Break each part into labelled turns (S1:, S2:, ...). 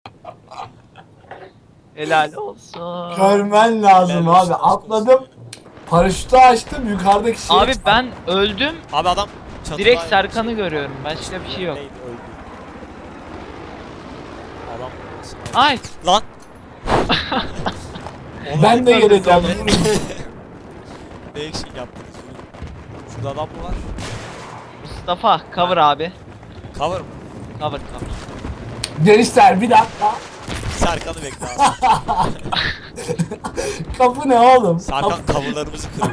S1: Helal olsun.
S2: Görmen lazım
S3: Helal olsun,
S2: abi.
S3: aşk olsun.
S2: Atladım. Paraşütü açtım. Yukarıdaki şeyi
S1: Abi ben öldüm.
S3: Abi adam çatıda...
S1: Direkt Serkan'ı görüyorum. Başka bir şey yok.
S3: Neydi, öldü. Adam...
S1: Ay.
S3: Lan!
S2: Ben de geleceğim.
S3: Ne action yaptınız? Şurada adam mı var?
S1: Mustafa cover abi.
S3: Cover mı?
S1: Cover.
S2: Gençler bir dakika.
S3: Serkan'ı bekle abi.
S2: Kapı ne oğlum?
S3: Serkan coverlarımızı kırıyor.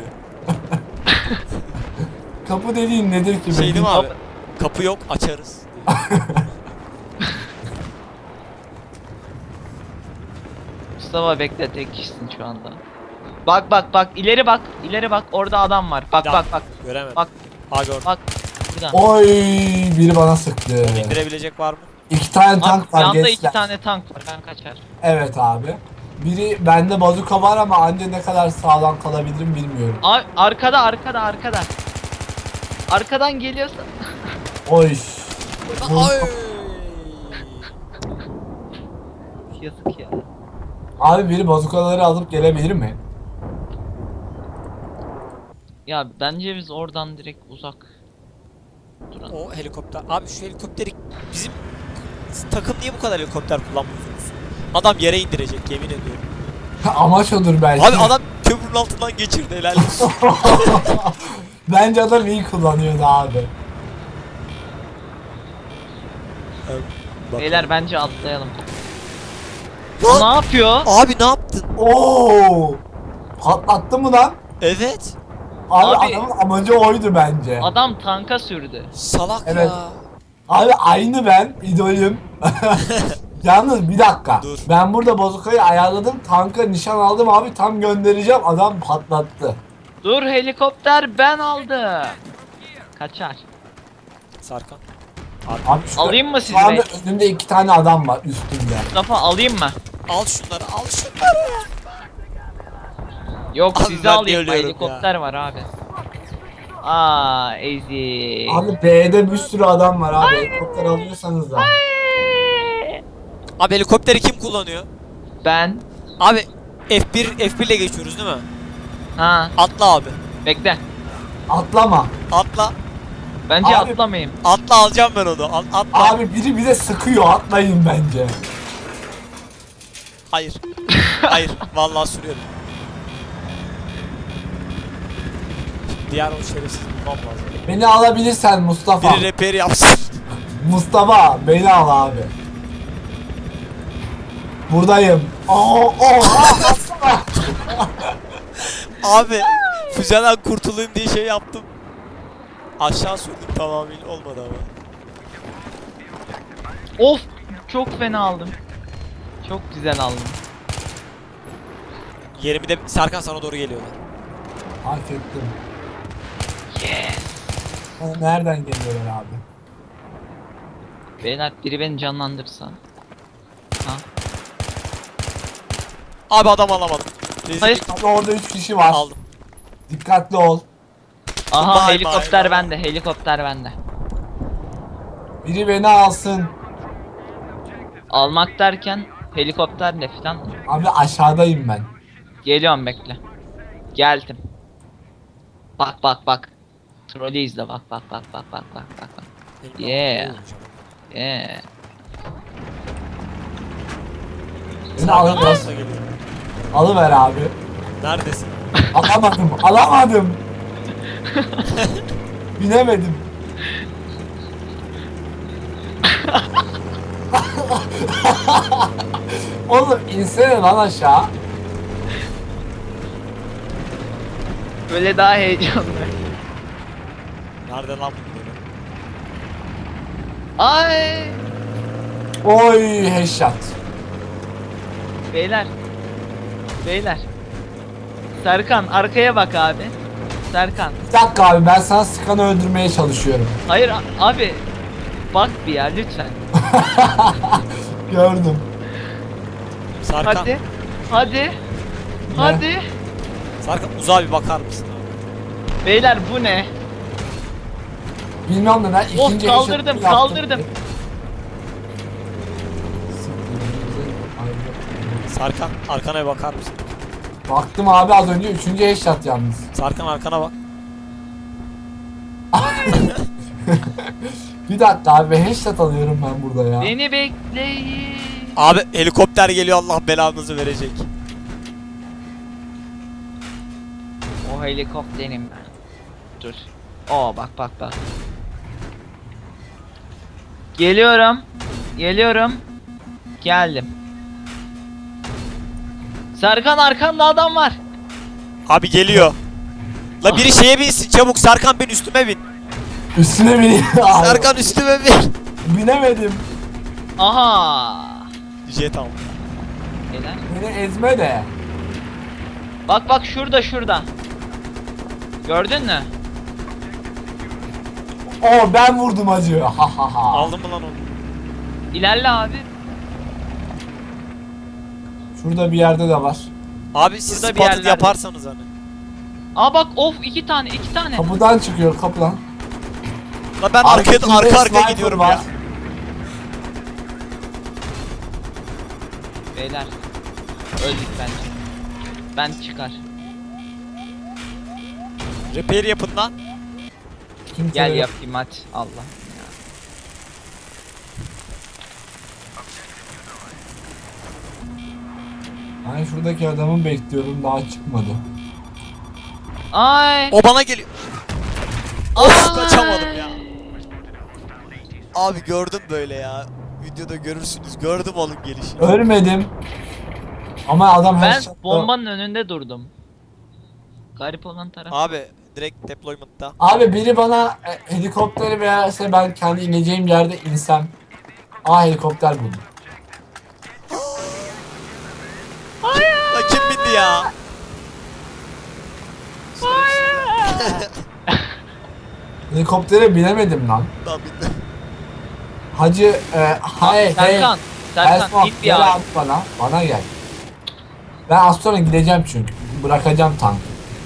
S2: Kapı dediğin nedir ki?
S3: Şey değil mi abi?
S1: Kapı-
S3: Kapı yok, açarız.
S1: Mustafa bekle, tek kişisin şu anda. Bak ileri bak orada adam var. Bak
S3: Ya,
S1: bak
S3: Göremedim.
S1: Bak.
S3: Ha gördüm.
S1: bak burada.
S2: Oy, biri bana sıktı.
S3: İndirebilecek var mı?
S2: 2 tane
S1: Abi,
S2: tank var
S1: yanda
S2: gençler.
S1: 2 tane tank var, ben kaçar.
S2: Evet abi. Biri bende bazuka var ama anca ne kadar sağlam kalabilirim bilmiyorum.
S1: Abi arkada. Arkadan geliyorsa.
S2: Oy.
S3: Ay!
S1: Yazık ya.
S2: Abi biri bazukaları alıp gelebilir mi?
S1: Ya bence biz oradan direkt uzak duralım.
S3: O helikopter. Abi şu helikopteri bizim takım niye bu kadar helikopter kullanmıyorsunuz? Adam yere indirecek, yemin ediyorum.
S2: Amaç odur belki.
S3: Abi adam köprünün altından geçirdi, helal olsun.
S2: Bence adam iyi kullanıyordu abi.
S1: Beyler bence atlayalım.
S3: Lan!
S1: Ne yapıyor?
S3: Abi ne yaptın?
S2: Oo! Patlattı mı lan?
S3: Evet.
S2: Abi,
S1: Abi-
S2: adamın amacı oydu bence.
S1: Adam tanka sürdü.
S3: Salak
S2: Evet.
S3: ya.
S2: Abi aynı ben, idolüm. Yalnız bir dakika.
S3: Dur.
S2: Ben burada bozukayı ayarladım. Tanka nişan aldım abi. Tam göndereceğim. Adam patlattı.
S1: Dur, helikopter ben aldım. Kaçar.
S3: Sarkan.
S2: Abi şu,
S1: Alayım mı
S2: şu
S1: sizi
S2: anda
S1: be?
S2: önümde 2 tane adam var üstümde.
S1: Mustafa alayım mı?
S3: Al şunları, al şunları.
S1: Yok,
S3: Abi
S1: sizi
S3: ben
S1: alayım.
S3: ölüyorum
S1: Helikopter var abi. Aa, easy.
S2: Abi B'de bir sürü adam var abi. Helikopter alıyorsanız da.
S3: Abi helikopteri kim kullanıyor?
S1: Ben.
S3: Abi F1 ile geçiyoruz değil mi?
S1: Ha,
S3: Atla abi.
S1: bekle.
S2: Atlama.
S3: Atla.
S1: Bence
S2: Abi-
S1: atlamayayım.
S3: Atla, alacağım ben onu. Atla.
S2: Abi biri bize sıkıyor. Atlayın bence.
S3: Hayır. Hayır. Vallahi sürüyorum. Diğer o şerefsiz bulmam lazım.
S2: Beni alabilirsen Mustafa.
S3: Biri repair yapsın.
S2: Mustafa beni al abi. Buradayım. Atsana.
S3: Abi füzeden kurtulayım diye şey yaptım. Aşağı sürdüm, tamamıyla olmadı ama.
S1: Of, çok fena aldım. Çok güzel aldım.
S3: Yerimi de Serkan sana doğru geliyorlar.
S2: Fark ettim.
S1: Yes.
S2: Nereden geliyorlar abi?
S1: Beyler, biri beni canlandırsa. Ha.
S3: Abi adam alamadım. Rezil.
S1: Hayır.
S2: Abi orada 3 kişi var.
S3: Aldım.
S2: Dikkatli ol.
S1: Aha,
S3: Bye
S1: helikopter
S3: bye.
S1: bende. Helikopter bende.
S2: Biri beni alsın.
S1: Almak derken helikopterle falan.
S2: Abi aşağıdayım ben.
S1: Geliyorum, bekle. Geldim. Bak. Trolü izle, bak. Yeah. Yeah.
S2: Beni alın.
S3: Nasıl geliyor?
S2: Alıver abi.
S3: Neredesin?
S2: Alamadım. Binemedim. Oğlum insene lan aşağı.
S1: Böyle daha heyecanlı.
S3: Nerede lan bunları?
S1: Ay.
S2: Oy headshot.
S1: Beyler. Serkan, arkaya bak abi. Serkan.
S2: Bir dakika abi ben sana Skan'ı öldürmeye çalışıyorum.
S1: Hayır abi. Bak bir ya, lütfen.
S2: Gördüm.
S3: Serkan.
S1: Hadi.
S3: Serkan uzağa bir bakar mısın abi?
S1: Beyler, bu ne?
S2: Bilmiyorum neden
S1: Of,
S2: ikinci
S1: kaldırdım,
S2: headshot'ı yaptım.
S1: kaldırdım.
S3: Sarkan arkana bir bakar mısın?
S2: Baktım abi az önce 3. headshot yalnız.
S3: Sarkan arkana bak.
S2: Bir dakika abi headshot alıyorum ben burada ya.
S1: Beni bekleyin.
S3: Abi helikopter geliyor, Allah belanızı verecek.
S1: O helikopterim ben. Dur. Oo bak bak bak. Geliyorum. Geliyorum. Geldim. Serkan arkanda adam var.
S3: Abi geliyor. La biri şeye binsin çabuk, Sarkan bin üstüme bin.
S2: Üstüne bineyim. Abi,
S3: Sarkan üstüme bin.
S2: binemedim.
S1: Aha.
S3: Jet al.
S1: Helal.
S2: Beni ezme de.
S1: Bak bak şurada şurada. Gördün mü?
S2: Oo ben vurdum acı. Ha ha ha.
S3: Aldın mı lan onu?
S1: İlerle abi.
S2: Şurada bir yerde de var.
S3: Abi siz
S1: Burada bir
S3: spotted
S1: yerlerde.
S3: yaparsanız hani.
S1: Aa bak of iki tane.
S2: Kapıdan çıkıyor kapıdan.
S3: La ben
S2: Arkasında
S3: arka
S2: sniper
S3: gidiyorum
S2: var.
S3: ya.
S1: Beyler. Öldük bence. Ben çıkar.
S3: Repair yapın lan.
S2: Kimse
S1: Gel
S2: yok.
S1: yapayım hadi. Allah.
S2: Ben şuradaki adamı bekliyorum daha çıkmadı.
S1: Ay.
S3: O bana geliyor. Of kaçamadım ya. Abi gördüm böyle ya. Videoda görürsünüz. Gördüm oğlum gelişi.
S2: Ölmedim. Ama adam
S1: Ben
S2: headshot'la-
S1: bombanın önünde durdum. Garip olan taraf.
S3: Abi direkt deployment'ta.
S2: Abi biri bana helikopteri verse ben kendi ineceğim yerde insem. Aa helikopter buldum.
S3: La kim bindi ya?
S2: Helikoptere binemedim lan.
S3: Lan bindi.
S2: Hacı hayır
S1: Serkan. Serkan git bir
S2: gel
S1: abi.
S2: abi bana gel. Ben az sonra gideceğim çünkü. Bırakacağım tankı.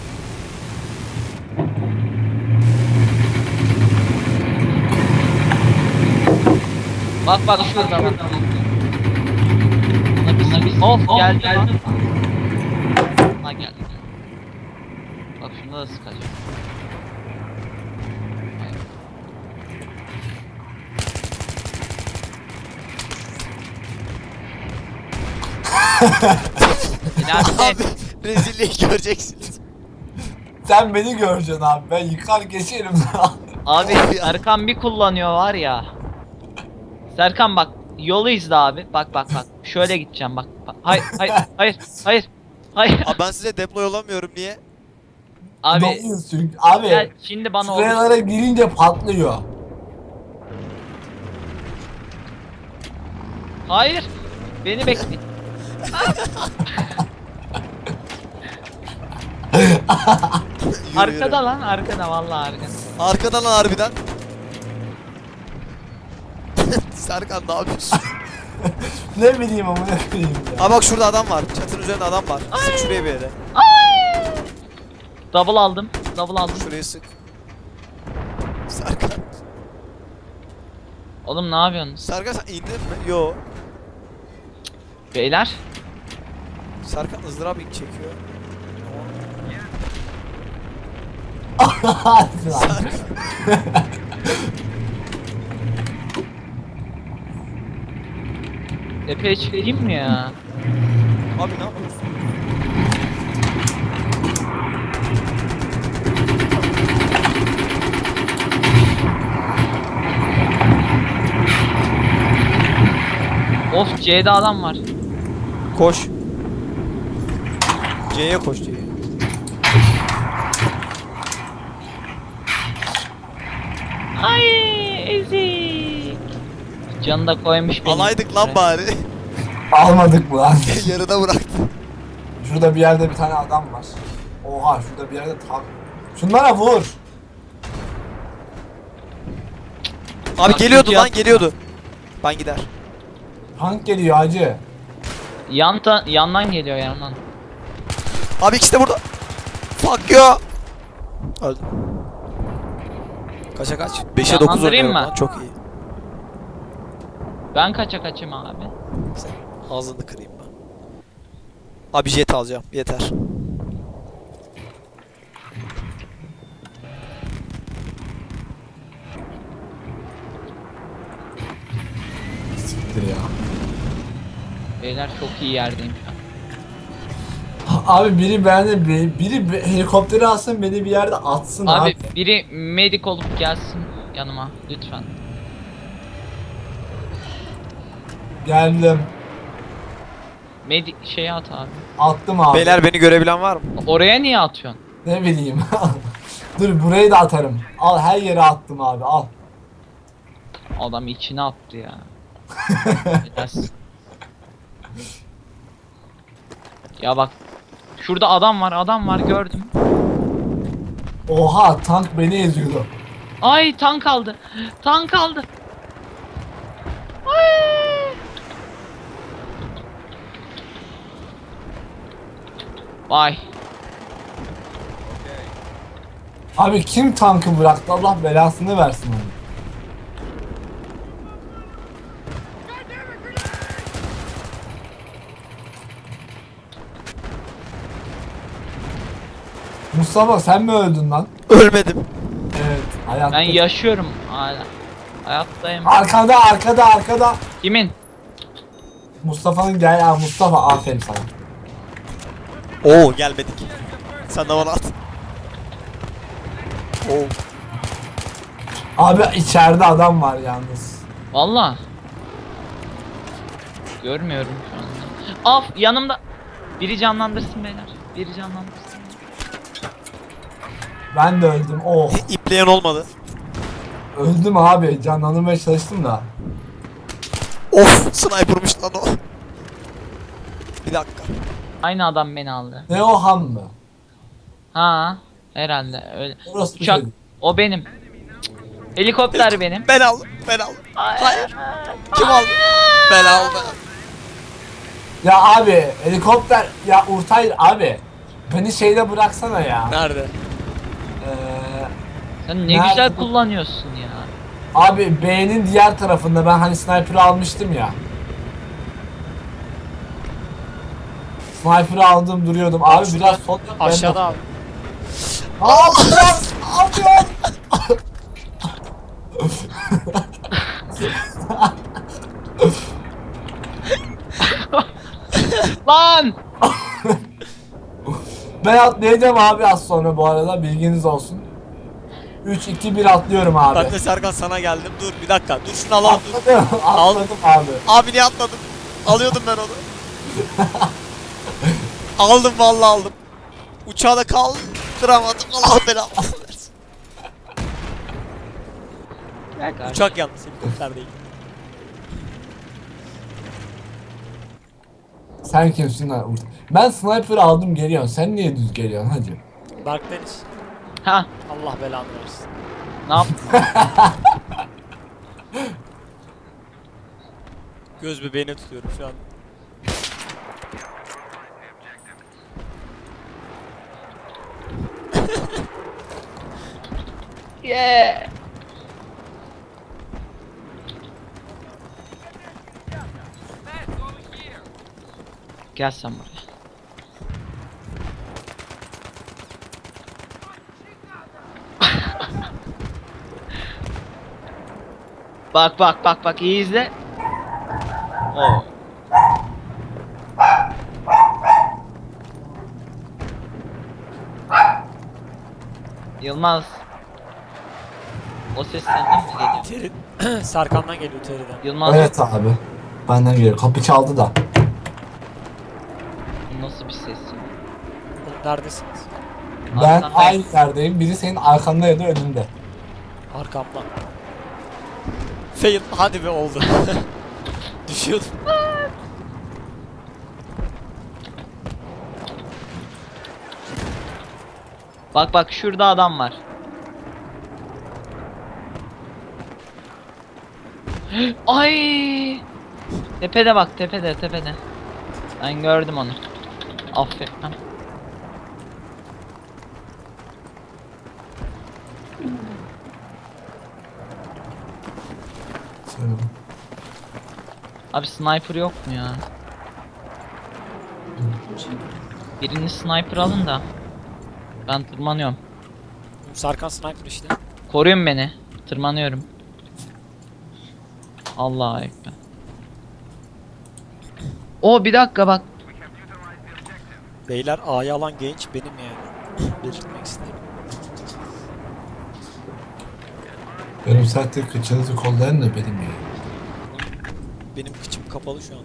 S1: Bak bak şurada bak. Of geldi lan. Ha geldi. Bak şunda da sıkacağım. İleride
S3: Abi rezilliği göreceksiniz.
S2: Sen beni göreceksin abi. Ben yıkar geçerim.
S1: abi Serkan bir kullanıyor var ya. Serkan bak yolu izle abi. Bak bak bak. Şöyle gideceğim bak. Hayır hayır hayır hayır. Hayır.
S3: Abi ben size deploy olamıyorum niye?
S1: Abi
S2: Doluyuz çünkü. Abi
S1: gel şimdi bana olur.
S2: şuralara girince patlıyor.
S1: Hayır. Beni bekle.
S3: Yürü,
S1: Arkada
S3: yürü.
S1: lan arkada vallahi arkada.
S3: Arkadan lan harbiden. Serkan ne yapıyorsun?
S2: Ne bileyim ama ne bileyim ya.
S3: Aa bak şurada adam var. Çatının üzerinde adam var. Sık şuraya bir yere.
S1: Double aldım. Double aldım.
S3: Şuraya sık. Serkan.
S1: Oğlum ne yapıyorsunuz?
S3: Serkan sen indin mi? Yo.
S1: Beyler.
S3: Serkan ızdırap ilk çekiyor.
S2: Hadi lan.
S3: Serkan.
S1: Epey çıkayım mı ya?
S3: Abi ne yapıyorsun?
S1: Of C'de adam var.
S3: Koş. C'ye koş C'ye.
S1: Ay ezik. Canı da koymuş benim.
S3: Alaydık lan bari.
S2: Almadık mı lan?
S3: Yarıda bıraktı.
S2: Şurada bir yerde bir tane adam var. Oha şurada bir yerde tank. Şunlara vur.
S3: Abi
S1: Bak,
S3: geliyordu
S1: video
S3: lan
S1: atma.
S3: geliyordu. Ben gider.
S2: Tank geliyor hacı.
S1: Yandan geliyor yandan.
S3: Abi ikisi de burada. Fuck you. Öldüm. Kaça kaç? 5'e 9
S1: Canlandırayım
S3: oynuyorum
S1: mı?
S3: lan çok iyi.
S1: Ben kaçayım abi.
S3: Sen ağzını kırayım ben. Abi jet alacağım. Yeter.
S2: Siktir ya.
S1: Beyler çok iyi yerdeyim şu an.
S2: Abi biri beni helikopteri alsın beni bir yerde atsın abi.
S1: Abi biri medik olup gelsin yanıma lütfen.
S2: Geldim.
S1: Medik şeyi at abi.
S2: Attım abi.
S3: Beyler beni görebilen var mı?
S1: Oraya niye atıyorsun?
S2: Ne bileyim. Dur burayı da atarım. Al her yere attım abi al.
S1: Adam içine attı ya. Biraz. Ya bak. Şurada adam var gördüm.
S2: Oha tank beni eziyordu.
S1: Ay tank aldı. Tank aldı. Ay. Vay.
S2: Abi kim tankı bıraktı Allah belasını versin onu. Mustafa sen mi öldün lan?
S3: Ölmedim.
S2: Evet hayatta.
S1: Ben yaşıyorum hala. Hayattayım.
S2: Arkada.
S1: Kimin?
S2: Mustafa'nın gel ya Mustafa aferin sana.
S3: Oo gelmedik. Sen de bana at. Oo.
S2: Abi içeride adam var yalnız.
S1: Valla. Görmüyorum şu anda. Af yanımda. Biri canlandırsın beyler. Biri canlandırsın.
S2: Ben de öldüm. Oh.
S3: İpleyen olmadı.
S2: Öldüm abi. Canlandırmaya çalıştım da.
S3: Of sniper'mış lan o. Bir dakika.
S1: Aynı adam beni aldı.
S2: Ne o ham mı?
S1: Ha, herhalde öyle.
S2: Orası bir
S1: Uçak
S2: şey.
S1: o benim. Cık. Helikopter benim.
S3: Ben aldım. Ben aldım.
S1: Hayır.
S3: Kim aldı? Ben aldım.
S2: Ya abi helikopter ya Urtay abi. Beni şeyde bıraksana ya.
S3: Nerede?
S1: Sen ne
S2: Nerede
S1: güzel
S2: bu?
S1: kullanıyorsun ya.
S2: Abi B'nin diğer tarafında ben hani sniper'ı almıştım ya. Sniper'ı aldım duruyordum. Abi biraz sol yap.
S3: Aşağıda abi.
S2: Ne yapıyorsun? Ne yapıyorsun?
S1: Lan!
S2: Ben atlayacağım abi az sonra bu arada bilginiz olsun. 3 2 1 atlıyorum abi.
S3: Ben de Serkan sana geldim. Dur bir dakika. Dur şunu alalım. Dur.
S2: Atladım abi.
S3: Abi niye atladın? Alıyordum ben onu. Aldım vallahi aldım. Uçağı da kaldıramadım. Allah belamı versin. Uçak yalnız helikopter değil.
S2: Sen kimsin lan? Ben sniper aldım geliyorum. Sen niye düz geliyorsun hacı?
S3: Dark Deniz.
S1: Ha,
S3: Allah belanı versin.
S1: ne yaptın?
S3: Göz bebeğine tutuyorum şu an.
S1: Yeah. Gel sen buraya. Bak iyi izle. Oo. Yılmaz. O ses senden mi geliyor?
S3: Terin. Serkan'dan geliyor teriden.
S1: Yılmaz
S2: Evet abi. Benden geliyor. Kapı çaldı da.
S1: bu nasıl bir ses ya?
S3: Oğlum neredesiniz?
S2: Ben
S1: Arkandayım.
S2: aynı yerdeyim. Biri senin arkanda ya da önünde.
S3: Arkamda. Fail. Hadi be oldu. Düşüyordum.
S1: Bak şurada adam var. Ay! Tepede bak tepede. Ben gördüm onu. Aferin.
S2: Şöyle.
S1: Abi sniper yok mu ya? Birini sniper alın da. Ben tırmanıyorum.
S3: Serkan sniper işte.
S1: Koruyun beni. Tırmanıyorum. Allah'a ekber. O bir dakika bak.
S3: Beyler A'yı alan genç benim yani. Belirtmek istedim.
S2: Benim zaten kıçınızı kollayan da benim ya.
S3: Benim kıçım kapalı şu anda.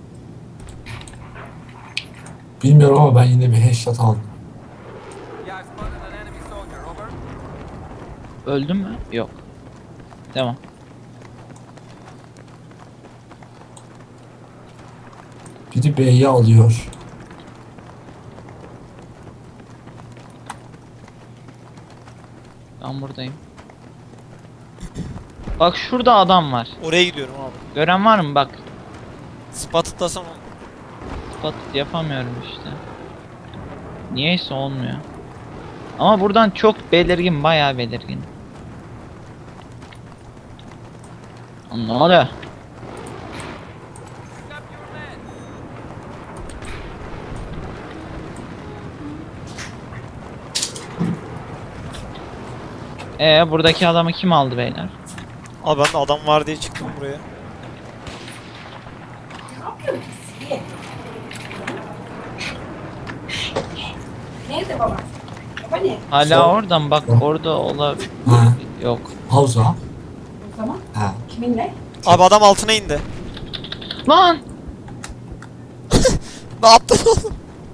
S2: Bilmiyorum ama ben yine bir headshot aldım.
S1: Öldün mü? Yok. Tamam.
S2: Biri B'yi alıyor.
S1: Ben buradayım. Bak şurada adam var.
S3: Oraya gidiyorum abi.
S1: Gören var mı? Bak.
S3: Spot'lasam
S1: Spot yapamıyorum işte. Niyeyse olmuyor. Ama buradan çok belirgin, bayağı belirgin. Lan ne oluyor? Buradaki adamı kim aldı beyler?
S3: Abi ben de adam var diye çıktım buraya.
S4: Nerede baba? Baba ne?
S1: Hala
S2: Sol.
S1: oradan bak, orada olabilir.
S2: Ha.
S1: Yok.
S2: Havza.
S4: O zaman
S2: Ha.
S4: kiminle?
S3: Abi adam altına indi.
S1: Lan!
S3: Ne yaptın oğlum?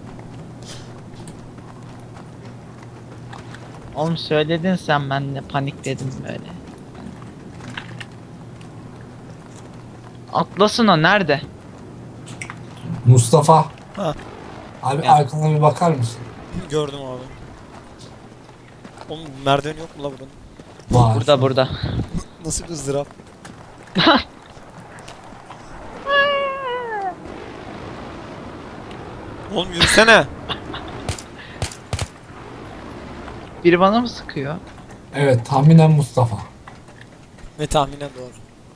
S1: Oğlum söyledin sen, ben de panikledim böyle. Atlasın o, nerede?
S2: Mustafa.
S3: Ha.
S2: Abi
S1: Ya.
S2: arkana bir bakar mısın?
S3: Gördüm abi. Oğlum merdiven yok mu la buranın?
S2: Var.
S1: Burada.
S3: Nasıl bir ızdırap? Oğlum yürüsene.
S1: Biri bana mı sıkıyor?
S2: Evet, tahminen Mustafa.
S3: Ve tahminen doğru.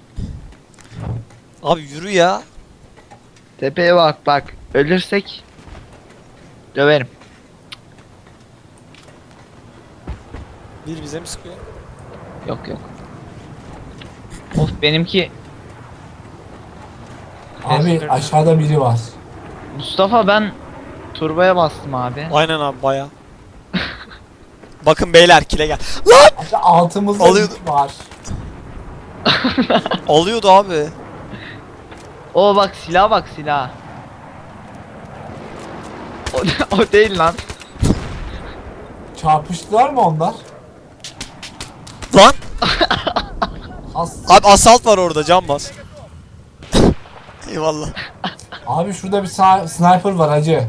S3: Abi yürü ya.
S1: Tepeye bak. Ölürsek döverim.
S3: Bir bize mi sıkıyor?
S1: Yok. Of, benimki
S2: Abi
S1: Esther.
S2: aşağıda biri var.
S1: Mustafa, ben turboya bastım abi.
S3: Aynen abi baya. Bakın beyler kile gel.
S2: Abi altımızda
S3: Alıyordu.
S2: biri var.
S3: Alıyordu abi.
S1: O bak, silah. O değil lan.
S2: Çarpıştılar mı onlar?
S3: Lan.
S2: As.
S3: Abi asalt var orada can bas. Eyvallah.
S2: Abi şurada bir sniper var hacı.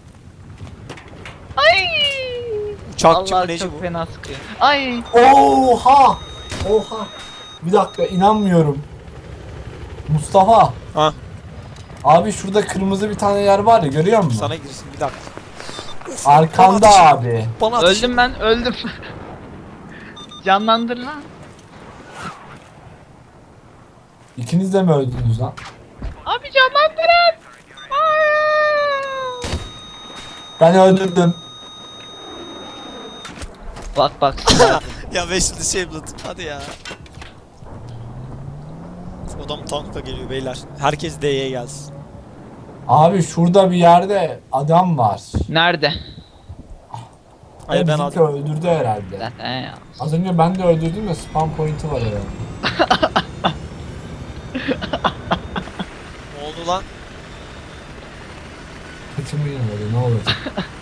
S1: Ay!
S3: Uçakçı mı
S1: Allah,
S3: neci
S1: çok
S3: bu?
S1: fena sıkıyor. Ay!
S2: Oha! Oha! Bir dakika, inanmıyorum. Mustafa.
S3: Ha
S2: Abi şurada kırmızı bir tane yer var ya, görüyor musun?
S3: sana girsin bir dakika.
S2: Arkanda
S3: Bana ateş-
S2: abi.
S3: Bana ateş-
S1: Öldüm ben, öldüm. Canlandır lan.
S2: İkiniz de mi öldünüz lan?
S1: Abi canlandırın.
S2: Ben öldürdüm.
S1: Bak silah.
S3: Ya Wesley disabled. Hadi ya. Adam tankla geliyor beyler. Herkes D'ye gelsin.
S2: Abi şurada bir yerde adam var.
S1: Nerede?
S3: Hayır ben
S2: Bizimki
S3: aldım.
S2: öldürdü herhalde.
S1: Zaten ya.
S2: Az önce ben de öldürdüm de spam point'i var herhalde.
S3: Ne oldu lan?
S2: Kıçımı yemedi, ne olacak?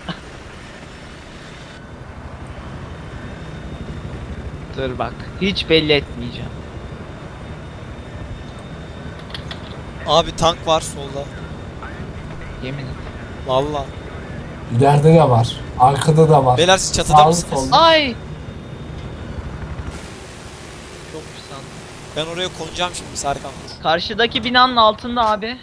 S1: Dur bak. Hiç belli etmeyeceğim.
S3: Abi tank var solda.
S1: Yemin et.
S3: Valla.
S2: İleride de var. Arkada da var.
S3: Beyler siz çatıda
S2: Sağlı
S3: mısınız?
S2: sollu.
S1: Ay! Yokmuş sandım.
S3: Ben oraya konacağım şimdi Serkan. Dur.
S1: Karşıdaki binanın altında abi.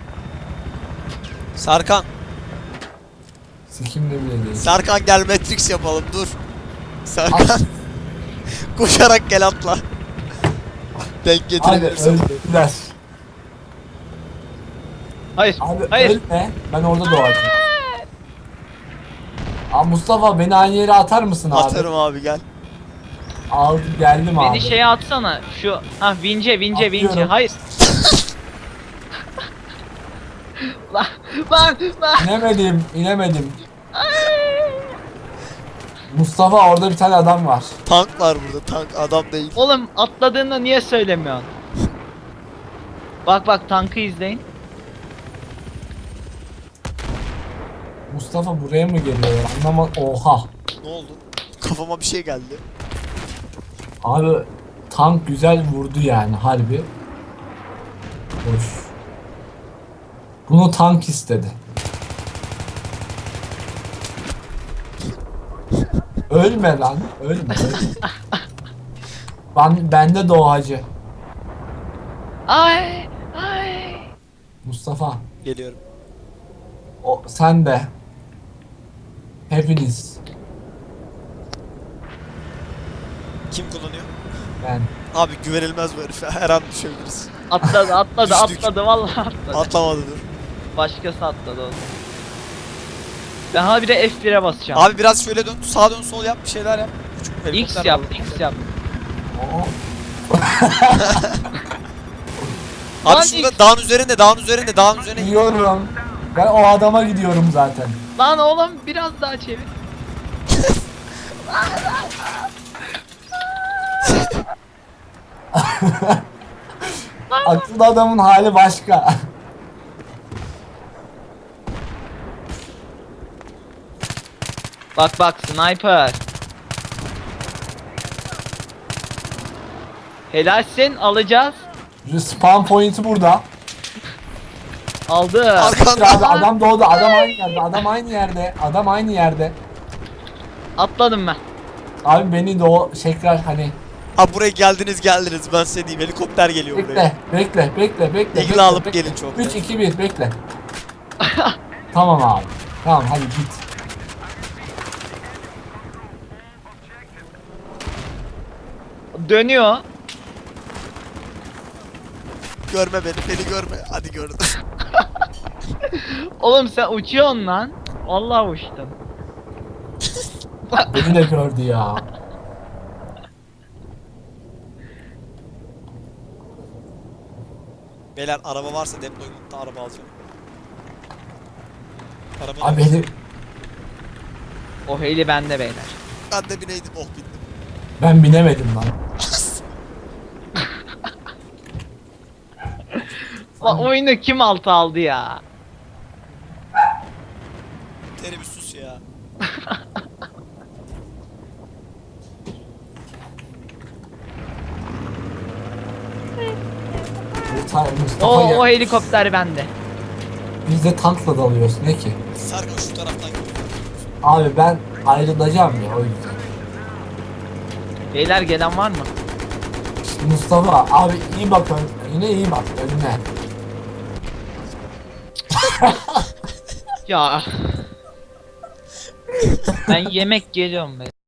S3: Serkan.
S2: Sikimde bile değil.
S3: Serkan gel Matrix yapalım dur. Serkan. Koşarak gel atla. Denk
S2: Hadi
S3: getirebilirsen.
S2: öldürdüler.
S1: Hayır.
S2: Abi
S1: Hayır.
S2: ölme. Ben orada doğacağım. Abi Mustafa beni aynı yere atar mısın abi?
S3: Atarım abi gel.
S2: Aldı geldim abi.
S1: Beni şeye atsana. Şu vince.
S2: Atıyorum.
S1: Hayır. lan lan.
S2: İnemedim. Mustafa orada bir tane adam var.
S3: Tank var burada, tank adam değil.
S1: Oğlum atladığında niye söylemiyorsun? Bak tankı izleyin.
S2: Mustafa buraya mı geliyor? Oha.
S3: Ne oldu? Kafama bir şey geldi.
S2: Abi tank güzel vurdu yani harbi. Hoş. Bunu tank istedi. Ölme lan. Ölme. Bende doğacı.
S1: Ay.
S2: Mustafa.
S3: Geliyorum.
S2: Sen de. Hepiniz.
S3: Kim kullanıyor?
S2: Ben.
S3: Abi güvenilmez bu herife. Her an düşebiliriz.
S1: Atladı
S3: Düştük.
S1: vallahi atladı.
S3: Atlamadı dur.
S1: Başkası atladı oğlum. Ben hala bir de F1'e basacağım.
S3: Abi biraz şöyle dön. Sağ dön sol yap. Bir şeyler yap. Küçük
S1: X
S3: helikopter
S1: yap,
S3: var.
S1: X yap.
S2: Oo.
S3: Abi
S1: Lan
S3: şurada
S1: X.
S3: dağın üzerine git.
S2: Gidiyorum. Ben o adama gidiyorum zaten.
S1: Lan oğlum biraz daha çevir.
S2: Aklı adamın hali başka.
S1: Bak sniper. Helalsin alacağız.
S2: Spawn point'i burada.
S1: Aldı.
S3: Arkanda.
S2: Abi adam doğdu. Adam aynı yerde.
S1: Atladım ben.
S2: Abi beni tekrar hani
S3: Abi buraya geldiniz. Ben size diyeyim. Helikopter geliyor buraya.
S2: bekle.
S3: İgla alıp gelin çok.
S2: 3 2 1 bekle. Tamam abi. Tamam hadi git.
S1: Dönüyor.
S3: Görme beni görme. Hadi gördüm.
S1: Oğlum sen uçuyorsun lan. Vallahi uçtun.
S2: Beni de gördü ya.
S3: Beyler araba varsa deployment'ta araba alacağım. Araba
S2: Abi beni,
S1: O heli bende beyler.
S3: ben de bineydim. Oh bindim.
S2: ben binemedim lan.
S1: Lan oyunu kim altı aldı ya?
S3: Teri bir sus ya.
S2: Mustafa
S1: O
S2: ya.
S1: helikopter bende.
S2: Biz de tankla dalıyoruz ne ki?
S3: Serkan şu taraftan gidiyor.
S2: Abi ben ayrılacağım ya o yüzden.
S1: Beyler gelen var mı?
S2: Mustafa abi iyi bak yine iyi bak önüne.
S1: Ya. Ben yemek geliyorum be.